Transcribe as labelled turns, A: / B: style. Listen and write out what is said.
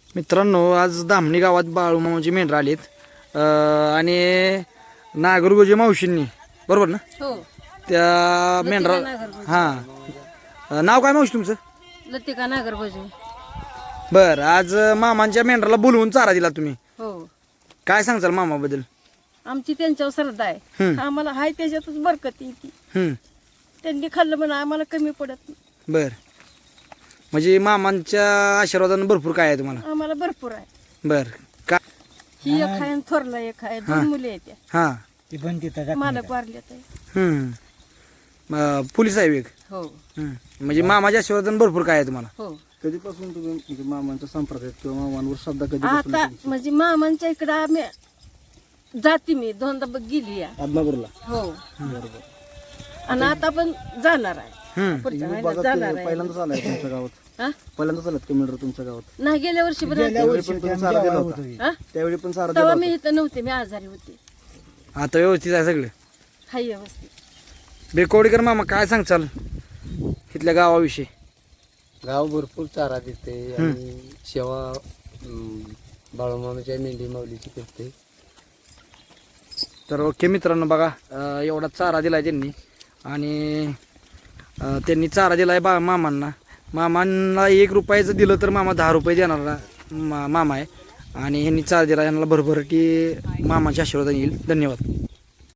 A: मित्रांनो, आज धामणी गावात बाळूमामाची मेंढरं आलीत आणि नागरगोजे मावशींनी, बरोबर ना?
B: हो.
A: त्या मेंढरा हां, नाव काय मावशी तुमचं?
B: लतिका नागरगोजे.
A: बरं, आज मामांच्या मेंढराला बोलवून चारा दिला तुम्ही,
B: हो.
A: काय सांगचाल मामाबद्दल?
B: आमची त्यांच्यावर श्रद्धा आहे. आम्हाला हाय त्याच्यातच बरकत येते. त्यांनी खाल्लं म्हणून आम्हाला कमी पडत नाही.
A: बर, म्हणजे मामांच्या आशीर्वादानं भरपूर काय आहे तुम्हाला?
B: आम्हाला भरपूर आहे.
A: बर, का?
B: ही एक आहे आणि थोरला एक आहे. दोन मुले आहेत त्या.
A: हां,
B: मालक वारल्यात आहे.
A: पोलीस आहे एक.
B: हो.
A: म्हणजे मामाच्या आशीर्वादानं भरपूर काय आहे तुम्हाला?
B: हो.
C: कधीपासून तुम्ही म्हणजे मामांच्या संपर्कात किंवा मामांवर श्रद्धा
B: आता
C: कधी
B: म्हणजे मामांच्या इकडं आम्ही जाते, मी दोनदा गेली आहे.
C: आदमापूरला?
B: हो.
C: बरोबर.
B: आणि आता पण जाणार आहे. पुढच्या महिन्यात जाणार आहे.
C: पहिल्यांदाच आलाय तुमच्या गावात?
B: हा?
C: पहिल्यांदाच आलात का मेंढर तुमच्या गावात?
B: नाही, गेल्या वर्षी पण आलते.
C: त्यावेळी पण तुम्ही चारा दिला होता?
B: हा?
C: त्यावेळी पण चारा दिला
B: तेव्हा
C: होता?
B: मी इथं नव्हते, मी आजारी होते.
A: आता व्यवस्थित आहे सगळे?
B: हाय व्यवस्थित.
A: बेकवडीकर मामा, काय सांगचाल इथल्या गावाविषयी?
D: गाव भरपूर चारा देते आणि सेवा बाळूमामाच्या मेंढी माऊलीची करते.
A: तर ओके मित्रांनो, बघा एवढा चारा दिलाय त्यांनी आणि त्यांनी चारा दिलाय मामांना. मामांना 1 रुपयाचं दिलं तर मामा 10 रुपये देणारा मामा आहे आणि ह्यांनी चारा दिला. यांना भरभराटी मामाच्या आशीर्वाद येईल. धन्यवाद.